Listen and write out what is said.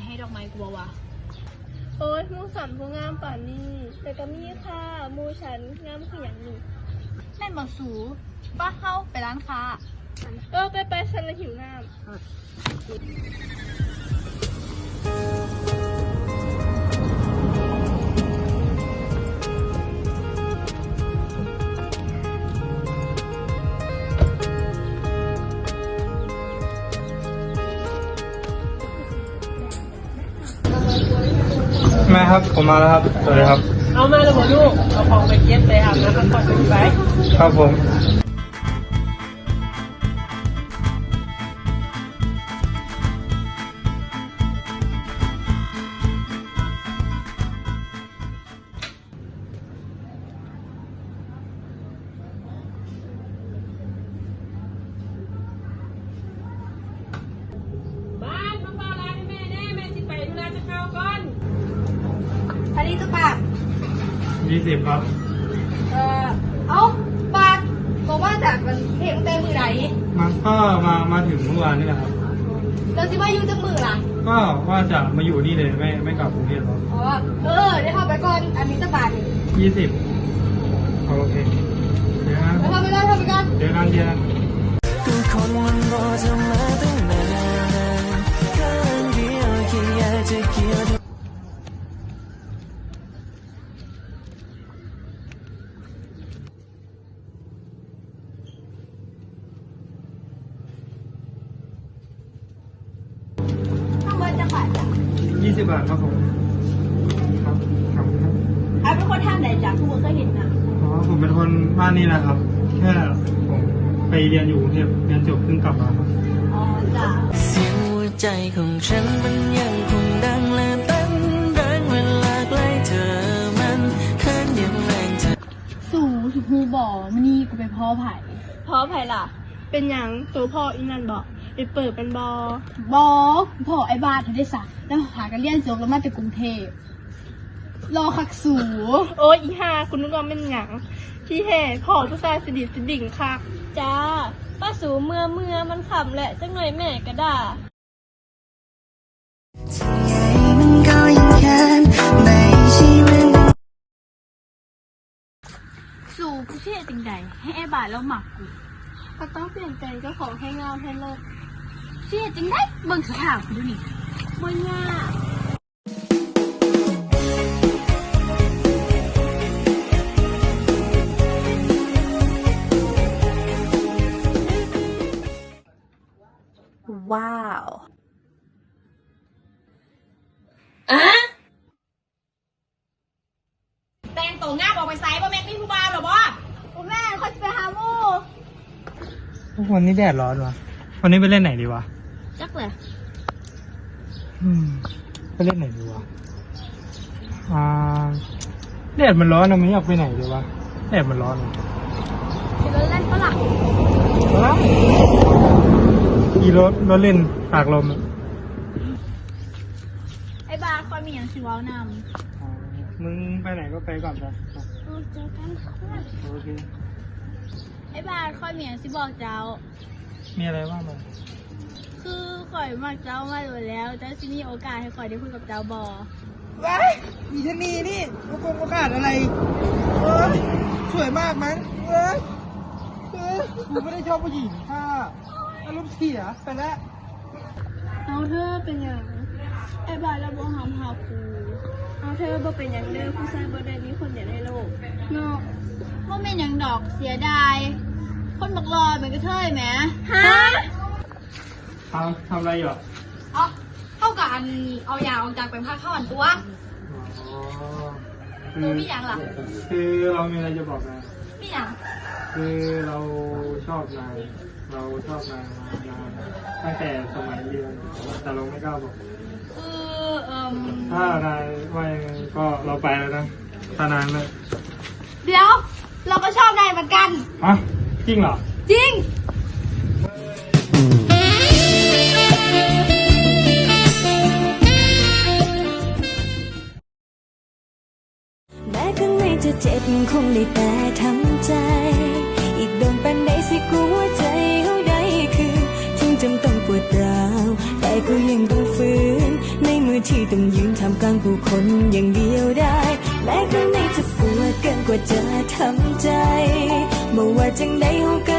ให้ดอกไม้กูบ่วะโอ้ยมูสันผู้งามป่านนี้แต่ก็มีค่ะมูฉันงามคืออย่างหนึ่งแม่นบ่สูป้าเข้าไปร้านค้าไปฉันละหิวน้ำแม่ครับผมมาแล้วครับสวัสดีครับเอามาแล้วหมอลูกเอาของไปเก็บไปอาบน้ำพักผ่อนไปครับผมบ้านมาฟ้าร้านให้แม่แน่แม่สิไปธุระจะเข้าก่อนอันนี้จะปาก 20ครับเอาปากบอกว่าจากมันเพลงเต็มมือไหนมันก็มาถึงเมื่อวานนี่แหละครับแล้วสิว่าอยู่จะมือล่ะก็ว่าจะมาอยู่นี่เลยไม่กลับกรุงเทพหรอกได้เข้าไปก่อนอันนี้จะปาก 20โอเคเดี๋ยวนะเข้าไปก่อนเดี๋ยวกันคนมันรอจะมาตั้งนานข้างเดียวแค่อยากจะเกี่ยวข้างบนจะปาก 20 บาทครับผมครับครับเป็นคนทางไหนจ้ะทุกคนก็เห็นนะผมเป็นคนบ้านนี่แหละครับแค่ผมไปเรียนอยู่กรุงเทพเรียนจบเพิ่งกลับมาครับจ้ะเสียงหัวใจของฉันมันยังคงดังและเต้นแรงเวลาใกล้เธอมันเคินยังแรงเธอสู่สุภูบ่อมันนี่กูไปพ่อไผ่ล่ะเป็นอย่างตัวพ่ออีนั่นบอกไปเปิดเป็นพ่อไอ้บ้านเธอได้สักแล้วหากันเรียนจบแล้วมาจากกรุงเทพรอคักสูโอ้ยอีห่าคุณนึกว่าเป็นหยังที่แห่พ่อผู้ชายสดิดิ่งค่ะจ้าป้าสูเมื่อมันขำแหละจังหน่อยแม่ก็ด่าสู่กูเชื่อจริงใดให้ไอ้บาทแล้วหมักกูก็ต้องเปลี่ยนแปลงเจ้าของให้เงาให้เลิศเชื่อจริงได้เบิ่งสถานกูดูนี่บ่ยากว้าวแต่งตัวงามออกไปไซบ่แม่พี่ผู้บ่าวหรอบ่แม่เขาจะไปหาหมูวันนี้แดดร้อนวะวันนี้ไปเล่นไหนดีวะจักเลยไปเล่นไหนดีวะแดดมันร้อนเราไม่อยากไปไหนดีวะแดดมันร้อนรถเล่นฝรั่งขี่รถเล่นตากลมไอ้บาร์คอยมีอย่างชิวาวนมึงไปไหนก็ไปก่อนไปเจอกันโอเคไอ้บาร์คอยมีอย่างชิบอกเจ้ามีอะไรบ้างมั้ยคือข่อยมากเจ้ามาอยู่แล้วเจ้าซิมีโอกาสให้ข่อยได้คุยกับเจ้าบอว้ามีชนีนี่โอกาสอะไรสวยมากมั้งกูไม่ได้ชอบผู้หญิงค่ะอารมณ์เสียไปแล้วเอาเธอเป็นอย่างไอ้บาทเราบ่หามหาคูเอาเธอบ่เป็นอย่างเดิมผู้ชายบ่ได้มีคนเดียวในโลกเนาะว่าเป็นอย่างดอกเสียดายคนบักลอยเหมือนกระเทยไหมฮะทำอะไรอยู่เท่ากับอันเอายาออกจากเป็นผ้าเข้าอันตัวตัวพี่ยังล่ะคือเรามีอะไรจะบอกนะพี่ยังคือเราชอบนายมานานตั้งแต่สมัยเรียนแต่เราไม่กล้าบอกถ้านายว่ายังไงก็เราไปแล้วนะถ้านานเลยเดี๋ยวเราก็ชอบนายเหมือนกันจริงเหรอจริงแม้ข้างในจะเจ็บคงได้แต่ทำใจอีกโดนปันใดสิกลัวใจเขาได้คือถึงจำต้องปวดร้าวแต่ก็ยังต้องฝืนในมือที่ต้องยืนทำกลางผู้คนอย่างเดียวได้แม้ครั้งในจะปวดเกินกว่าจะทำใจบอกว่าจังใดเขาก็